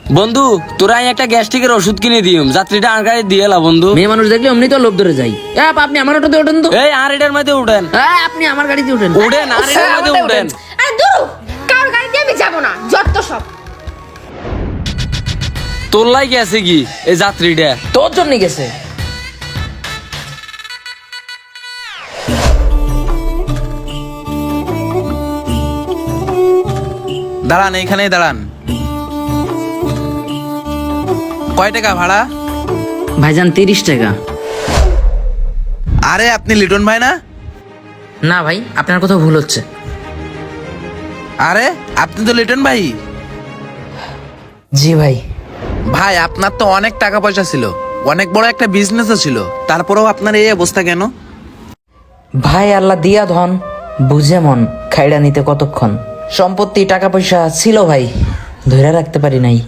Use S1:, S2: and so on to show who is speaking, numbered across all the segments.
S1: বন্ধু তোরা একটা গ্যাস্ট্রিকের ওষুধ কিনে দিম, যাত্রীটা আর গাড়ি দিয়ে এলা বন্ধু।
S2: মেয়ে মানুষ দেখলে অমনি তো লোভ ধরে যাই। আপনি আমার অটোতে ওঠেন তো।
S1: এই আর এটার মধ্যে উঠেন।
S2: আপনি আমার গাড়িতে ওঠেন।
S1: উঠেন আর এটার মধ্যে উঠেন।
S3: আরে দূর, কার গাড়িতে আমি যাব না, যত সব।
S1: তোর লাই গেছে কি এই যাত্রীটা?
S2: তোর জন্য গেছে।
S4: দাঁড়ান, এইখানেই দাঁড়ান। কয় টাকা ভাড়া?
S2: ভাইজান 30 টাকা।
S4: আরে আপনি লিটন ভাই না?
S2: না ভাই, আপনার কোথাও ভুল হচ্ছে।
S4: আরে আপনি তো লিটন ভাই।
S2: জি ভাই।
S4: ভাই আপনার তো অনেক টাকা পয়সা ছিল, অনেক বড় একটা বিজনেসও ছিল, তারপরেও আপনার এই অবস্থা কেন?
S2: ভাই আল্লাহ দিয়া ধন, বুঝে মন, খাইড়া নিতে কতক্ষণ। সম্পত্তি টাকা পয়সা ছিল ভাই, ধরে রাখতে পারি নাই।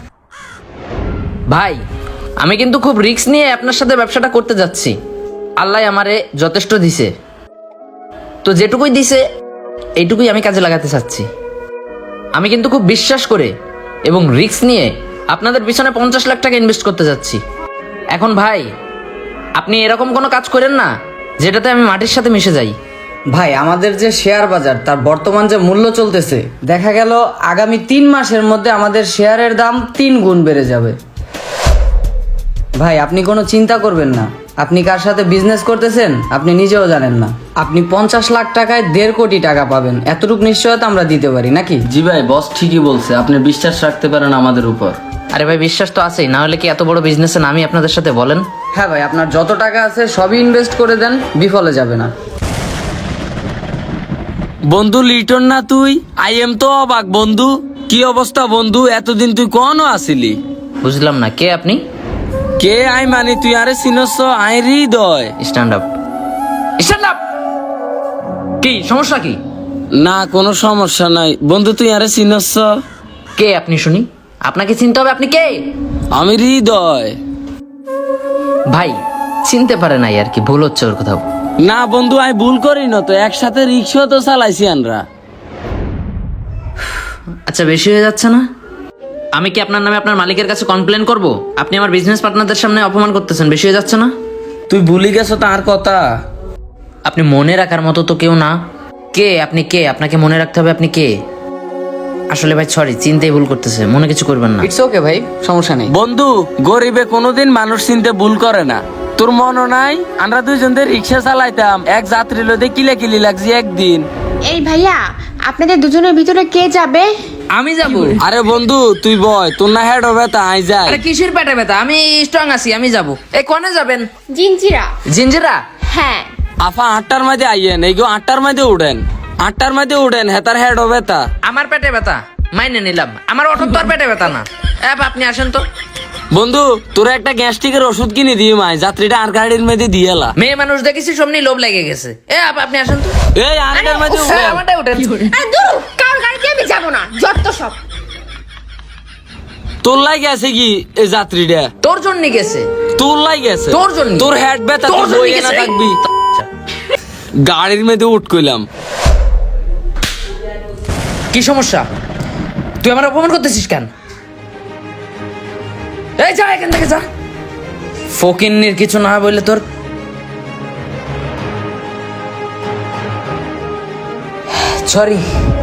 S2: ভাই আমি কিন্তু খুব রিস্ক নিয়ে আপনার সাথে ব্যবসাটা করতে যাচ্ছি। আল্লাহ আমারে যথেষ্ট দিছে, তো যেটুকুই দিছে এইটুকুই আমি কাজে লাগাতে চাচ্ছি। আমি কিন্তু খুব বিশ্বাস করে এবং রিস্ক নিয়ে আপনাদের পিছনে 50 লাখ টাকা ইনভেস্ট করতে যাচ্ছি। এখন ভাই আপনি এরকম কোনো কাজ করেন না যেটাতে আমি মাটির সাথে মিশে যাই।
S5: ভাই আমাদের যে শেয়ার বাজার তার বর্তমান যে মূল্য চলতেছে, দেখা গেল আগামী 3 মাসের মধ্যে আমাদের শেয়ারের দাম 3 গুণ বেড়ে যাবে। ভাই আপনি কোনো চিন্তা করবেন না, আপনি কার সাথে বিজনেস করতেছেন আপনি নিজেও জানেন না। আপনি 50 লাখ টাকায় 1.5 কোটি টাকা পাবেন, এতটুকু নিশ্চয়তা আমরা দিতে পারি নাকি?
S1: জি ভাই, বস ঠিকই বলছে, আপনি বিশ্বাস রাখতে পারেন আমাদের উপর।
S2: আরে ভাই বিশ্বাস তো আছেই, না হলে কি এত বড় বিজনেসে নামি আপনাদের সাথে বলেন?
S5: হ্যাঁ ভাই, আপনার যত টাকা আছে সবই ইনভেস্ট করে দেন, বিফলে যাবে না।
S1: বন্ধু লিটন না তুই? আই এম তো অবাক বন্ধু। কি অবস্থা বন্ধু, এতদিন তুই কোনো আসিলি?
S2: বুঝলাম না, কে আপনি?
S1: কে আই মানে তুই আরে চিনস? আই Hridoy.
S2: Stand up, stand up. কি সমস্যা কি?
S1: না কোনো সমস্যা নাই বন্ধু, তুই আরে চিনস?
S2: কে আপনি শুনি? আপনাকে চিনতে হবে, আপনি কে?
S1: আমি হৃদয়।
S2: ভাই চিনতে পারে নাই আর কি, ভুল হচ্ছে ওর কোথাও।
S1: না বন্ধু আমি ভুল করি না তো, একসাথে রিক্সা তো চালাইছি আমরা।
S2: আচ্ছা বেশি হয়ে যাচ্ছে না? আমি কি আপনার নামে আপনার মালিকের কাছে কমপ্লেন করব? আপনি আমার বিজনেস পার্টনারদের সামনে অপমান করতেছেন, বেশি হয়ে যাচ্ছে না?
S1: তুই ভুলি গেছো তার কথা।
S2: আপনি মনে রাখার মতো তো কেউ না। কে আপনি? কে আপনাকে মনে রাখতে হবে? আপনি কে? আসলে ভাই সরি, চিনতেই ভুল করতেছে, মনে কিছু করবেন না।
S5: ইটস ওকে ভাই, সমস্যা নেই।
S1: বন্ধু গরিবে কোনোদিন মানুষ চিনতে ভুল করে না। তোর মনে নাই আমরা দুইজন রিক্সা চালাইতাম, এক যাত্রী লোদে কিলি লাগছে একদিন।
S3: এই ভাইয়া, আপনাদের দুজনের ভিতরে কে যাবে?
S2: আমি যাব।
S1: আরে বন্ধু তুই বয়, তোর না হেড হবে তা আই যাই।
S2: আরে কিসের পেটে ব্যথা, আমি স্ট্রং আছি, আমি যাব। এই কোনে যাবেন?
S3: জিঞ্জিরা।
S2: জিঞ্জিরা?
S3: হ্যাঁ।
S1: আফা 8টার মধ্যে আইয়েন, এই 8টার মধ্যে উঠেন, 8টার মধ্যে উঠেন, হেতার হেড হবে তা।
S2: আমার পেটে ব্যথা মাইনে নিলাম, আমার অটো তো আর পেটে ব্যথা না। আপনি আসেন তো।
S1: বন্ধু তোর একটা গ্যাস্ট্রিকের ওষুধ কিনে দিই মাই, যাত্রীটা আর গাড়ির মধ্যে দিয়ে এলা।
S2: মেয়ে মানুষ দেখেছি সমনি লোভ লেগে গেছে। আপনি আসেন তো।
S1: এই আরেকটার মধ্যে উঠেন।
S2: আমারটাই উঠেন।
S3: আরে দূর, কার গাড়িতে আমি যাব না, যত সব।
S1: তোর লাই গেছে কি এই যাত্রীটা?
S2: তোর জন্য গেছে।
S1: তোর লাই গেছে?
S2: তোর জন্য।
S1: তোর হেড ব্যথা,
S2: তোর
S1: তোর
S2: জন্য
S1: বইয়ে না
S2: গেছে।
S1: থাকবি। গাড়ির মধ্যে উঠ কইলাম।
S2: কি সমস্যা? তুই আমার অপমান করতেছিস কেন? এই যা এখান থেকে যা। ফকিন্নির কিছু না বললে তোর। সরি।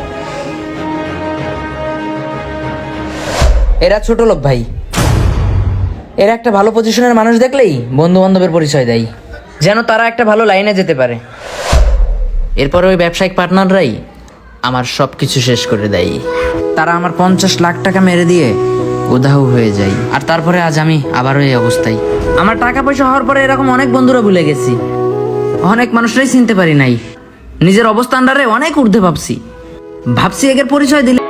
S2: এরা ছোট লোক ভাই, এরা একটা ভালো পজিশনের মানুষ দেখলেই বন্ধু বান্ধবের পরিচয় দেয়, যেন তারা একটা ভালো লাইনে যেতে পারে। এরপরে ওই ব্যবসায়িক পার্টনাররাই আমার সব কিছু শেষ করে দেয়। তারা আমার 50 লাখ টাকা মেরে দিয়ে উধাও হয়ে যায়, আর তারপরে আজ আমি আবারও এই অবস্থায়। আমার টাকা পয়সা হওয়ার পরে এরকম অনেক বন্ধুরা ভুলে গেছি, অনেক মানুষরাই চিনতে পারি নাই, নিজের অবস্থানটারে অনেক ঊর্ধ্বে ভাবছি এদের পরিচয় দিলে